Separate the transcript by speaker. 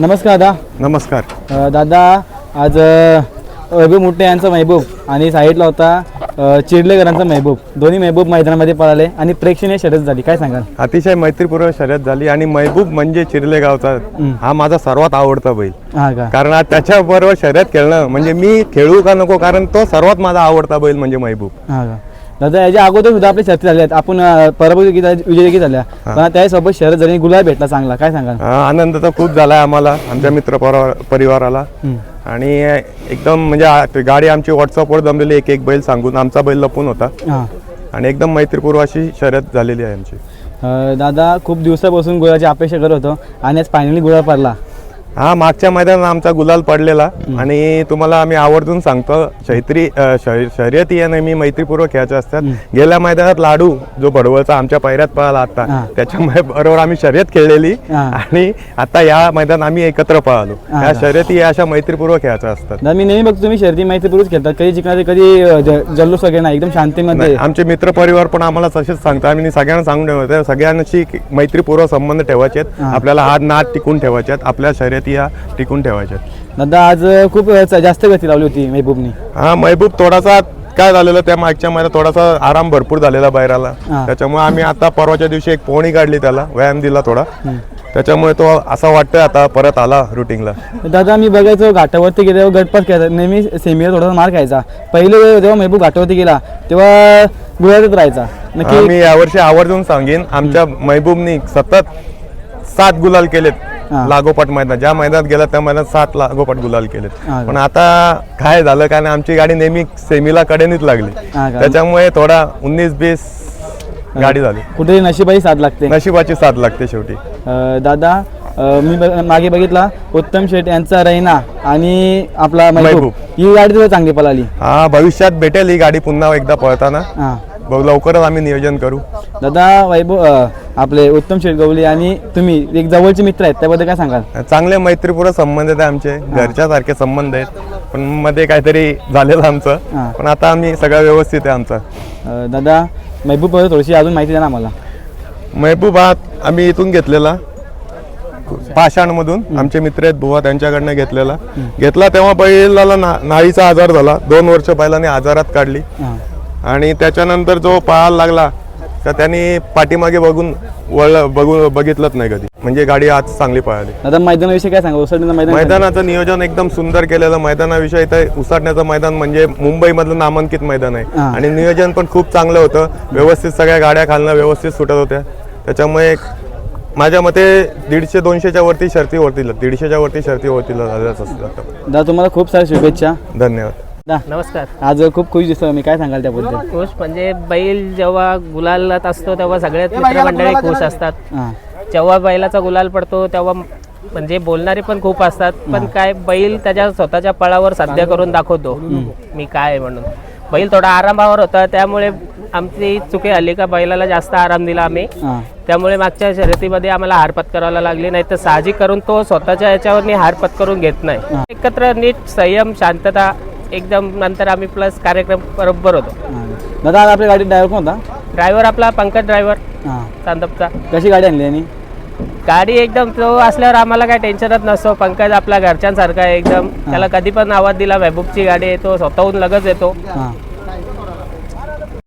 Speaker 1: नमस्कार दादा.
Speaker 2: नमस्कार.
Speaker 1: दादा आज वैभव मुट्टे यांचा महबूब आणि साईडला होता चिडलेकरांचा महबूब, दोन्ही महबूब मैदानामध्ये पळाले आणि प्रेक्षणीय शर्यत झाली, काय सांगाल?
Speaker 2: अतिशय मैत्रीपूर्ण शर्यत झाली आणि महबूब म्हणजे चिरलेगावचा हा माझा सर्वात आवडता बैल.
Speaker 1: हा का?
Speaker 2: कारण आज त्याच्याबरोबर शर्यत खेळणं म्हणजे मी खेळू का नको, कारण तो सर्वात माझा आवडता बैल म्हणजे महबूब.
Speaker 1: हा का? दादा याच्या अगोदर सुद्धा आपली शर्ती झाल्या आहेत, आपण पराभूत विजय देखील झाल्या, पण त्यासोबत शर्यत झाली, गुलाल भेटला चांगला, काय सांगाल?
Speaker 2: आनंद तर खूप झालाय आम्हाला, आमच्या मित्र परिवाराला. आणि एकदम म्हणजे गाडी आमची व्हॉट्सअपवर जमलेली, एक बैल सांगून आमचा बैल लपून होता आणि एकदम मैत्रीपूर्व अशी शर्यत झालेली आहे आमची.
Speaker 1: दादा खूप दिवसापासून गुलाची अपेक्षा करत होतो आणि आज फायनली गुलाल पडला.
Speaker 2: हा, मागच्या मैदानात आमचा गुलाल पडलेला आणि तुम्हाला आम्ही आवर्जून सांगतो, शर्यती या नेहमी मैत्रीपूर्वक खेळायच्या असतात. गेल्या मैदानात लाडू जो बडवळचा आमच्या पायऱ्यात पळाला आता, त्याच्या बरोबर आम्ही शर्यत खेळलेली आणि आता या मैदानात आम्ही एकत्र पळालो. या शर्यती या अशा मैत्रीपूर्वक खेळायच्या असतात.
Speaker 1: मी नेहमी बघतो तुम्ही शर्यती मैत्रीपूर्वक खेळतात, कधी जिंकणारे कधी जल्लोष वगैरे नाही, एकदम शांतीमध्ये.
Speaker 2: आमचे मित्र परिवार पण आम्हाला तसेच सांगतात, आम्ही सगळ्यांना सांगून ठेवतो, सगळ्यांशी मैत्रीपूर्वक संबंध ठेवायचे आहेत, आपल्याला हात नाद टिकून ठेवायचे आहेत, आपल्या शर्यती या टिकून ठेवायच्या.
Speaker 1: दादा आज खूप जास्त गती लावली होती महबूबनी.
Speaker 2: हा, महबूब थोडासा काय झालेलं त्या मागच्या महिन्यात थोडासा आराम भरपूर झालेला बैलाला, त्याच्यामुळे आम्ही आता परवाच्या दिवशी एक पोहणी काढली, त्याला व्यायाम दिला थोडा, त्याच्यामुळे तो असं वाटतंय आता परत आला रुटीनला.
Speaker 1: दादा मी बघायचो घाटावरती गेल्यावर गटपास खेळायचा, नेहमी सेमीला थोडासा मार खायचा. पहिले जेव्हा महबूब घाटावरती गेला तेव्हा गुलालातच राहायचा. नक्की
Speaker 2: मी यावर्षी आवर्जून सांगेन, आमच्या महबूबनी सतत 7 गुलाल केलेत लागोपाठ मैदान, ज्या मैदानात गेला त्या मैदानात 7 लागोपाठ गुलाल केलेत. पण आता काय झालं, कारण आमची गाडी नेहमी सेमीला कडेनीच लागली, त्याच्यामुळे थोडा 19-20 गाडी झाली.
Speaker 1: कुठेही नशिबाही साथ लागते,
Speaker 2: नशिबाची साथ लागते शेवटी.
Speaker 1: दादा मी मागे बघितला उत्तम शेठ यांचा रैना आणि आपला महबूब, ही गाडी तुला चांगली पळाली.
Speaker 2: हा, भविष्यात भेटेल ही गाडी पुन्हा एकदा पळताना, लवकरच आम्ही नियोजन करू.
Speaker 1: दादा वैभव आपले उत्तम शेठ गवली आणि तुम्ही एक जवळचे मित्र आहेत, त्याबद्दल काय सांगाल?
Speaker 2: चांगले मैत्रीपूर्ण संबंध आहेत आमचे, घरच्या सारखे संबंध आहेत, पण मध्ये काहीतरी झालेलं आमचं, पण आता आम्ही सगळं व्यवस्थित आहे आमचा.
Speaker 1: दादा महबूब थोडीशी अजून माहिती द्या ना आम्हाला.
Speaker 2: महबूब आम्ही इथून घेतलेला, पाषाणमधून आमचे मित्र आहेत बुवा, त्यांच्याकडनं घेतला. तेव्हा बैलाला नाळीचा आजार झाला, 2 वर्ष बैलाने आजारात काढली आणि त्याच्यानंतर जो पळायला लागला तर त्यांनी पाठीमागे बघितलंच नाही कधी, म्हणजे गाडी आज चांगली पळाली.
Speaker 1: दादा मैदानाविषयी काय सांगा?
Speaker 2: मैदानाचं नियोजन एकदम सुंदर केलेलं. मैदानाविषयी तर उसाटण्याचं मैदान म्हणजे मुंबई मधलं नामांकित मैदान आहे आणि नियोजन पण खूप चांगलं होतं, व्यवस्थित सगळ्या गाड्या खालनं व्यवस्थित सुटत होत्या, त्याच्यामुळे माझ्या मते 150-200च्या वरती शर्ती होतील, 150च्या वरती शर्ती होतील झाल्याच असतात.
Speaker 1: दादा तुम्हाला खूप साऱ्या शुभेच्छा.
Speaker 2: धन्यवाद.
Speaker 1: नमस्कार. आज खूप खुश दिसतो, मी काय सांगाल त्याबद्दल?
Speaker 3: खुश म्हणजे बैल जेव्हा गुलालात असतो तेव्हा सगळ्यात मित्रमंडळी खुश असतात, जेव्हा बैलाचा गुलाल पडतो तेव्हा म्हणजे बोलणारे पण खूप असतात, पण काय बैल त्याच्या स्वतःच्या पळावर साध्य करून दाखवतो मी काय म्हणून. बैल थोडा आरामावर होता, त्यामुळे आमची चुकी आली का बैलाला जास्त आराम दिला आम्ही, त्यामुळे मागच्या शर्यतीमध्ये आम्हाला हार पत्करायला लागली, नाही तर साहजिक करून तो स्वतःच्या याच्यावर हार पत्करून घेत नाही. एकत्र नीट संयम शांतता एकदम, नंतर आम्ही प्लस कार्यक्रम बरोबर होतो.
Speaker 1: दादा आपल्या गाडीत ड्रायव्हर कोण होता?
Speaker 3: ड्रायव्हर आपला पंकज ड्रायव्हर चांदपचा.
Speaker 1: कशी गाडी आणली आणि
Speaker 3: गाडी एकदम तो असल्यावर आम्हाला काय टेन्शनच नसतो. पंकज आपल्या घरच्यांसारखा आहे एकदम, त्याला कधी पण आवाज दिला महबूबची गाडी आहे तो स्वतःहून लगेच येतो.